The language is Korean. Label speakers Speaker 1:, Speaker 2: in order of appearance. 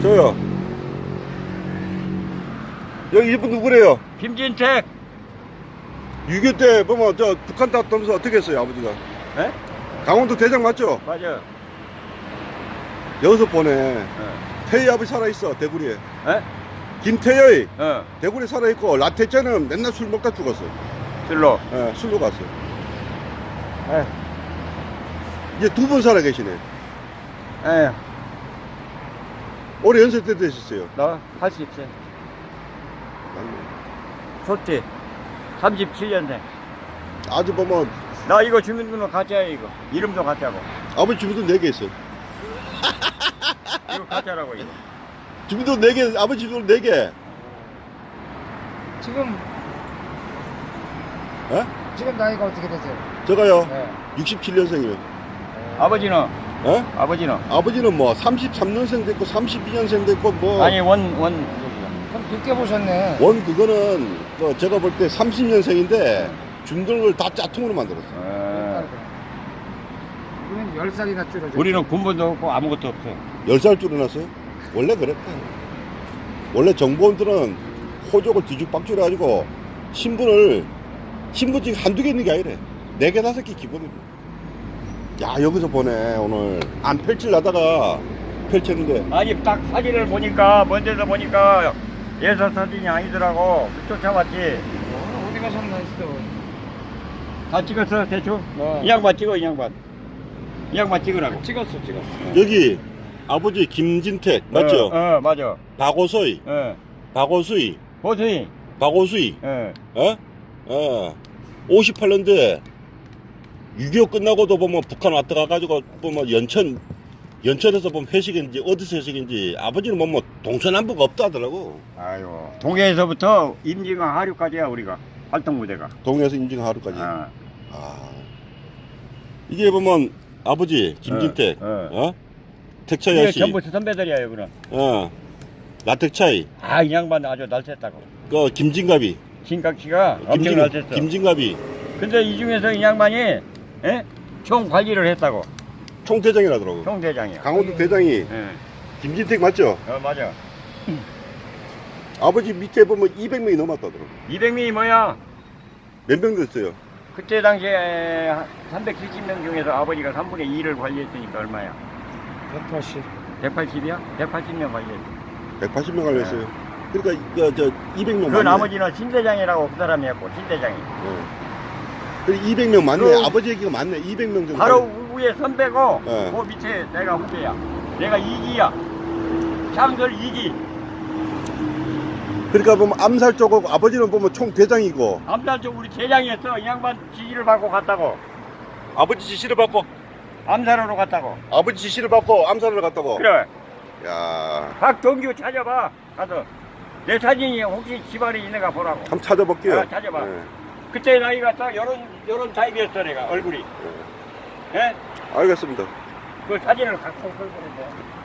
Speaker 1: 저요. 여기 이분 누구래요?
Speaker 2: 김진택.
Speaker 1: 6.25 때 보면 저 북한 갔다면서 어떻게 했어요 아버지가?
Speaker 2: 에?
Speaker 1: 강원도 대장 맞죠?
Speaker 2: 맞아.
Speaker 1: 여기서 보내. 태희 아버지 살아있어 대구리에.
Speaker 2: 에?
Speaker 1: 김태희
Speaker 2: 어.
Speaker 1: 대구리에 살아있고 라태째는 맨날 술 먹다 죽었어.
Speaker 2: 술로.
Speaker 1: 예, 술로 갔어.
Speaker 2: 에.
Speaker 1: 이제 두 분 살아 계시네.
Speaker 2: 에.
Speaker 1: 올해 연세 때 되셨어요?
Speaker 2: 나 80세. 소띠. 37년생.
Speaker 1: 아주 보면
Speaker 2: 나 이거 주민등록 가짜야 이거. 이름도 가짜고.
Speaker 1: 아버지 주민도 4개 있어요.
Speaker 2: 이거 가짜라고 이거.
Speaker 1: 주민도 4개, 아버지 주민도 4개.
Speaker 3: 지금
Speaker 1: 예?
Speaker 3: 지금 나이가 어떻게 되세요?
Speaker 1: 저가요.
Speaker 3: 네.
Speaker 1: 67년생이요.
Speaker 2: 아버지는?
Speaker 1: 예?
Speaker 2: 아버지는?
Speaker 1: 아버지는 뭐 33년생 됐고 32년생 됐고 뭐
Speaker 2: 아니 원
Speaker 3: 그럼 늦게 보셨네.
Speaker 1: 원 그거는 뭐 제가 볼 때 30년생인데 주민등록을 다 짜통으로 만들었어.
Speaker 3: 우리는 10살이나 줄어져.
Speaker 2: 우리는 군번도 없고 아무것도 없어.
Speaker 1: 10살 줄여놨어요? 원래 그랬다. 원래 정보원들은 호적을 뒤죽박죽 해가지고 신분증 한두 개 있는 게 아니래. 4개, 5개 기본이고. 야, 여기서 보네, 오늘. 안 펼치려다가 펼쳤는데.
Speaker 2: 아니 딱 사진을 보니까 먼저서 보니까 예사 사진이 아니더라고. 쫓아왔지.
Speaker 3: 어디 가셨나 했어.
Speaker 2: 다 찍었어 대충?
Speaker 3: 네.
Speaker 2: 이 양반 찍어 이 양반. 이 양반 찍으라고.
Speaker 3: 찍었어.
Speaker 1: 여기 아버지 김진택, 맞죠?
Speaker 2: 맞아.
Speaker 1: 박오수이, 박오수이,
Speaker 2: 보수이.
Speaker 1: 박오수이, 어? 58년도에 6.25 끝나고도 보면 북한 왔다 가가지고 보면 연천에서 보면 회식인지 어디서 회식인지 아버지는 보면 동서남북 없다 하더라고.
Speaker 2: 아유. 동해에서부터 임진강 하류까지야 우리가 활동 무대가.
Speaker 1: 동해에서 임진강 하루까지.
Speaker 2: 어.
Speaker 1: 이게 보면 아버지 김진택, 택차이
Speaker 2: 이게
Speaker 1: 아씨,
Speaker 2: 전부 선배들이야 여기는.
Speaker 1: 라택차이,
Speaker 2: 이 양반 아주 날샜다고.
Speaker 1: 그 김진갑이,
Speaker 2: 신각씨가 엄청 날샜어.
Speaker 1: 김진갑이
Speaker 2: 근데 이 중에서 이 양반이 총 관리를 했다고.
Speaker 1: 총대장이라더라고.
Speaker 2: 총대장이야.
Speaker 1: 강원도 대장이 김진택 맞죠?
Speaker 2: 맞아.
Speaker 1: 아버지 밑에 보면 200명이 넘었다더라고.
Speaker 2: 200명이 뭐야?
Speaker 1: 몇 명 됐어요?
Speaker 2: 그때 당시에 370명 중에서 아버지가 3분의 2를 관리했으니까 얼마야?
Speaker 3: 180.
Speaker 2: 180이야? 180명 관리했어.
Speaker 1: 180명 알렸어요. 그러니까 저 200명
Speaker 2: 그
Speaker 1: 맞네.
Speaker 2: 나머지는 신대장이라고 그 사람이었고 신대장이.
Speaker 1: 그래 200명 맞네.
Speaker 2: 그
Speaker 1: 아버지 얘기가 맞네. 200명 정도.
Speaker 2: 바로 위에 선배고
Speaker 1: 네.
Speaker 2: 그 밑에 내가 후배야. 내가 2기야. 창설 2기.
Speaker 1: 그러니까 보면 암살 쪽하고 아버지는 보면 총대장이고
Speaker 2: 암살 쪽 우리 대장이었어. 이 양반 지시를 받고 갔다고.
Speaker 1: 아버지 지시를 받고
Speaker 2: 암살하러 갔다고.
Speaker 1: 아버지 지시를 받고 암살을 갔다고.
Speaker 2: 그래.
Speaker 1: 야,
Speaker 2: 박동규 찾아봐. 가서 내 사진이 혹시 집안에 있는가 보라고.
Speaker 1: 한번 찾아볼게요.
Speaker 2: 찾아봐.
Speaker 1: 네.
Speaker 2: 그때 나이가 딱 요런 타입이었어 내가 얼굴이. 예?
Speaker 1: 알겠습니다.
Speaker 2: 그 사진을 갖고 올 거는데.